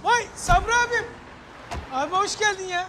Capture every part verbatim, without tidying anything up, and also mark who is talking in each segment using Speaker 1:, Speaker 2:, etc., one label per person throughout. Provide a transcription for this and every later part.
Speaker 1: Vay Sabri abim. Abi hoş geldin ya.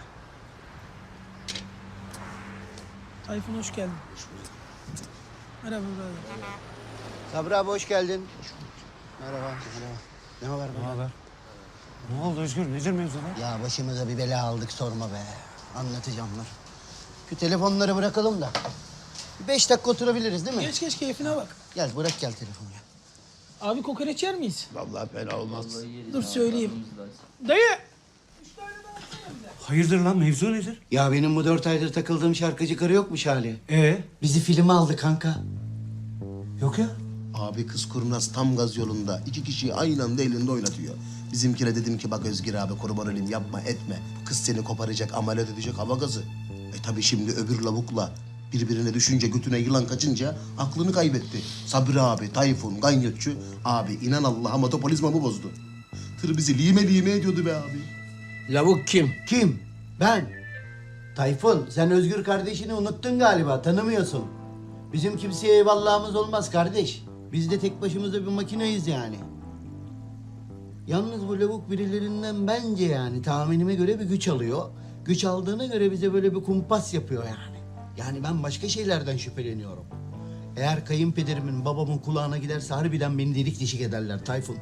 Speaker 1: Tayfun hoş geldin. Hoş bulduk. Merhaba birader.
Speaker 2: Sabri abi hoş geldin. Merhaba. Merhaba. Ne haber?
Speaker 3: Ne haber? Ne oldu Özgür? Nedir mevzular?
Speaker 2: Ya başımıza bir bela aldık sorma be. Anlatacağım dur. Şu telefonları bırakalım da. Bir beş dakika oturabiliriz değil mi?
Speaker 1: Geç geç keyfine bak.
Speaker 2: Gel bırak gel telefonu ya.
Speaker 1: Abi kokoreç yer miyiz?
Speaker 4: Vallahi fena olmaz.
Speaker 1: Dur söyleyeyim. Dayı.
Speaker 3: Hayırdır lan? Mevzu nedir?
Speaker 2: Ya benim bu dört aydır takıldığım şarkıcı karı yokmuş hali.
Speaker 3: Ee?
Speaker 2: Bizi filme aldı kanka.
Speaker 3: Yok ya.
Speaker 4: Abi kız kurnaz tam gaz yolunda. İki kişiyi aynı anda elinde oynatıyor. Bizimkine dedim ki bak Özgür abi kurban olayım yapma etme. Bu kız seni koparacak, ameliyat edecek hava gazı. E tabii şimdi öbür lavukla birbirine düşünce, götüne yılan kaçınca aklını kaybetti. Sabri abi, Tayfun, Ganyotçu. Abi inan Allah'a motopolizmamı bozdu. Tır bizi lime lime ediyordu be abi.
Speaker 5: Lavuk kim?
Speaker 2: Kim? Ben. Tayfun sen Özgür kardeşini unuttun galiba tanımıyorsun. Bizim kimseye eyvallahımız olmaz kardeş. Biz de tek başımıza bir makineyiz yani. Yalnız bu lavuk birilerinden bence yani tahminime göre bir güç alıyor. Güç aldığına göre bize böyle bir kumpas yapıyor yani. Yani ben başka şeylerden şüpheleniyorum. Eğer kayınpederimin, babamın kulağına giderse harbiden beni delik deşik ederler Tayfun.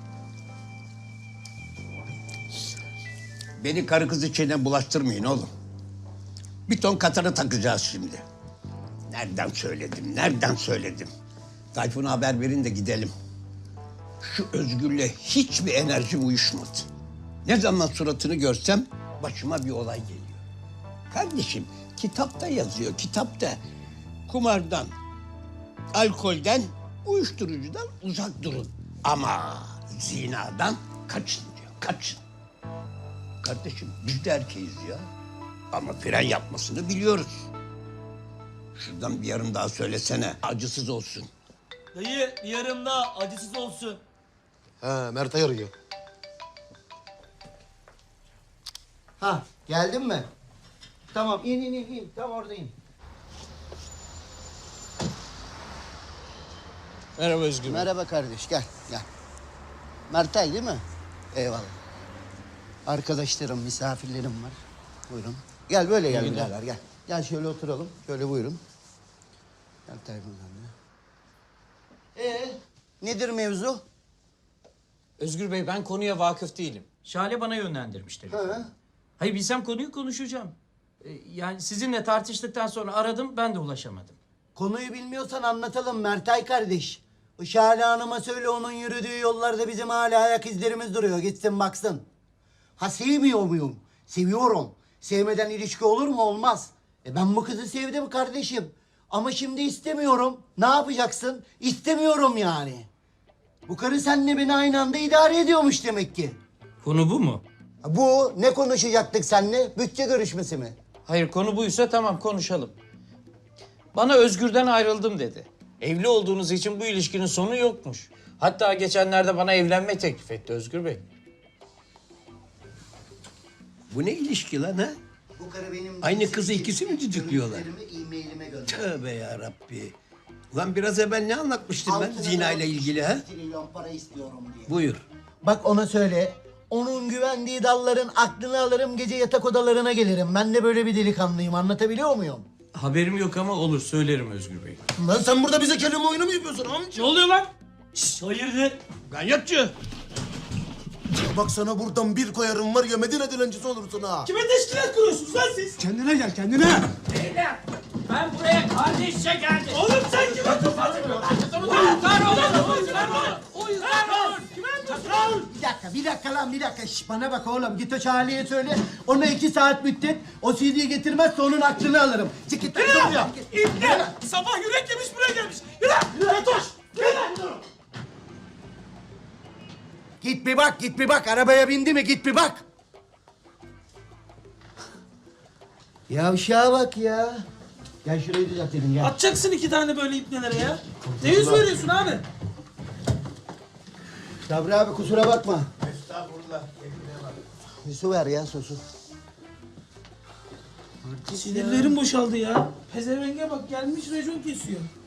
Speaker 5: Beni karı kız içine bulaştırmayın oğlum. Bir ton katarı takacağız şimdi. Nereden söyledim, nereden söyledim? Tayfun'a haber verin de gidelim. Şu Özgür'le hiçbir enerjim uyuşmadı. Ne zaman suratını görsem başıma bir olay geliyor. Kardeşim kitapta yazıyor, kitapta. Kumardan, alkolden, uyuşturucudan uzak durun. Ama zinadan kaçın diyor, kaçın. Kardeşim biz de erkeğiz ya. Ama fren yapmasını biliyoruz. Şuradan bir yarım daha söylesene. Acısız olsun.
Speaker 6: Dayı bir yarım daha acısız olsun.
Speaker 4: Ha Mert'e arıyor.
Speaker 2: Ha geldin mi? Tamam in in in in tam oradayım.
Speaker 5: Merhaba Özgür.
Speaker 2: Merhaba kardeş gel gel. Mertay değil mi? Eyvallah. Arkadaşlarım, misafirlerim var. Buyurun. Gel böyle gel birader gel. Gel şöyle oturalım. Şöyle buyurun. Gel Tayfun sen de. Ee, nedir mevzu?
Speaker 6: Özgür Bey ben konuya vakıf değilim. Şale bana yönlendirmiş tabii.
Speaker 2: Ha?
Speaker 6: Hayır bilsem konuyu konuşacağım. Ee, yani sizinle tartıştıktan sonra aradım ben de ulaşamadım.
Speaker 2: Konuyu bilmiyorsan anlatalım Mertay kardeş. Şale Hanım'a söyle onun yürüdüğü yollarda bizim hala ayak izlerimiz duruyor. Gitsin baksın. Ha sevmiyor muyum? Seviyorum. Sevmeden ilişki olur mu? Olmaz. E ben bu kızı sevdim kardeşim. Ama şimdi istemiyorum. Ne yapacaksın? İstemiyorum yani. Bu karı seninle beni aynı anda idare ediyormuş demek ki.
Speaker 6: Konu bu mu?
Speaker 2: Ha, bu ne konuşacaktık seninle? Bütçe görüşmesi mi?
Speaker 6: Hayır konu buysa tamam konuşalım. Bana Özgür'den ayrıldım dedi. Evli olduğunuz için bu ilişkinin sonu yokmuş. Hatta geçenlerde bana evlenme teklif etti Özgür Bey.
Speaker 5: Bu ne ilişki lan ha?
Speaker 2: Bu karı benim...
Speaker 5: Aynı kızı ikisi mi düdüklüyorlar?
Speaker 2: görüntülerimi e-mailime gönder.
Speaker 5: Tövbe yarabbi. Ulan biraz evvel ne anlatmıştım ben
Speaker 2: Altına
Speaker 5: zina ile
Speaker 2: da
Speaker 5: ilgili ha?
Speaker 2: trilyon para istiyorum diye.
Speaker 5: Buyur.
Speaker 2: Bak ona söyle. Onun güvendiği dalların aklını alırım, gece yatak odalarına gelirim. Ben de böyle bir delikanlıyım, anlatabiliyor muyum?
Speaker 6: Haberim yok ama olur söylerim Özgür Bey.
Speaker 4: Lan sen burada bize kelime oyunu mu yapıyorsun amca?
Speaker 6: Ne oluyor lan? Şşş, hayırdır?
Speaker 5: Ganyotçu.
Speaker 4: Bak sana buradan bir koyarım var ya Medine dilencisi olursun ha.
Speaker 1: Kime teşkilat kuruyorsunuz lan siz?
Speaker 3: Kendine gel kendine.
Speaker 6: Beyler ben buraya kardeşçe geldim.
Speaker 1: Oğlum sen kime tufasın?
Speaker 6: Uyuzlar olun, uyuzlar olun. Uyuzlar olun.
Speaker 1: Kime tufasın?
Speaker 2: Bir dakika, bir dakika lan, bir dakika. Şş, bana bak oğlum, git o Charlie'ye söyle. Ona iki saat müddet, o C D'yi getirmezse onun aklını alırım. Çık git.
Speaker 1: Yürü lan! İbne! Sabah yürek yemiş buraya gelmiş. Yürü! Yatoş! Yürü!
Speaker 2: Git bir bak, git bir bak. Arabaya bindi mi? Git bir bak. Yavşağa bak ya. Gel şurayı düzeltelim gel.
Speaker 1: Atacaksın iki tane böyle ipnelere ya. Ne yüz veriyorsun abi?
Speaker 2: Sabri abi kusura bakma. Estağfurullah. Bir su ver ya, su su.
Speaker 1: Sinirlerim boşaldı ya. Pezevenge bak gelmiş racon kesiyor.